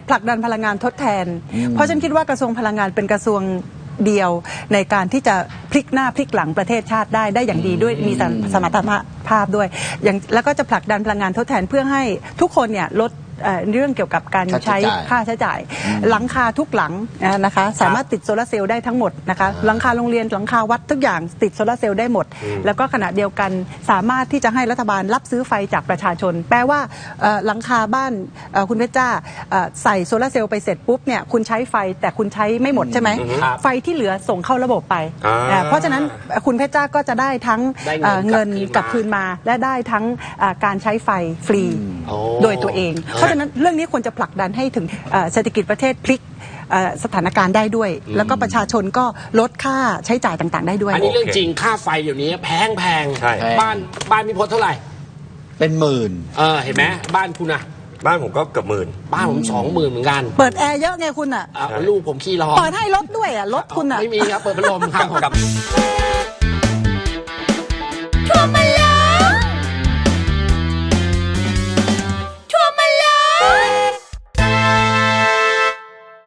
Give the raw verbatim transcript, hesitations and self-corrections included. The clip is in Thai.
ผลักดันพลังงานทดแทนเพราะฉันคิดว่ากระทรวงพลังงานเป็นกระทรวงเดียวในการที่จะพลิกหน้าพลิกหลังประเทศชาติได้ได้อย่างดีด้วยมีสมรรถภาพด้วยอย่างแล้วก็จะผลักดันพลังงานทดแทนเพื่อให้ทุกคนเนี่ยลดเรื่องเกี่ยวกับการใช้ค่าใช้จ่ายหลังคาทุกหลังนะคะสามารถติดโซลาร์เซลล์ได้ทั้งหมดนะคะหลังคาโรงเรียนหลังคาวัดทุกอย่างติดโซลาร์เซลล์ได้หมดแล้วก็ขณะเดียวกันสามารถที่จะให้รัฐบาลรับซื้อไฟจากประชาชนแปลว่าหลังคาบ้านคุณเพชรจ้าใส่โซลาร์เซลล์ไปเสร็จปุ๊บเนี่ยคุณใช้ไฟแต่คุณใช้ไม่หมดใช่ไหมไฟที่เหลือส่งเข้าระบบไปเพราะฉะนั้นคุณเพชรจ้าก็จะได้ทั้งเงินกลับคืนมาและได้ทั้งการใช้ไฟฟรีโดยตัวเองเพราะฉะนั้นเรื่องนี้ควรจะผลักดันให้ถึงเศรษฐกิจประเทศพลิกสถานการณ์ได้ด้วยแล้วก็ประชาชนก็ลดค่าใช้จ่ายต่างๆได้ด้วยอันนี้เรื่องจริงค่าไฟเดี๋ยวนี้แพงแพงบ้านบ้านมีพจน์เท่าไหร่เป็นหมื่นเออเห็นไหมบ้านคุณอะบ้านผมก็เกือบหมื่นบ้านผมสองหมื่นเหมือนกันเปิดแอร์เยอะไงคุณอะลูกผมขี้ร้อนเปิดให้รถด้วยอะรถคุณอะไม่มีครับเปิดพัดลมครับ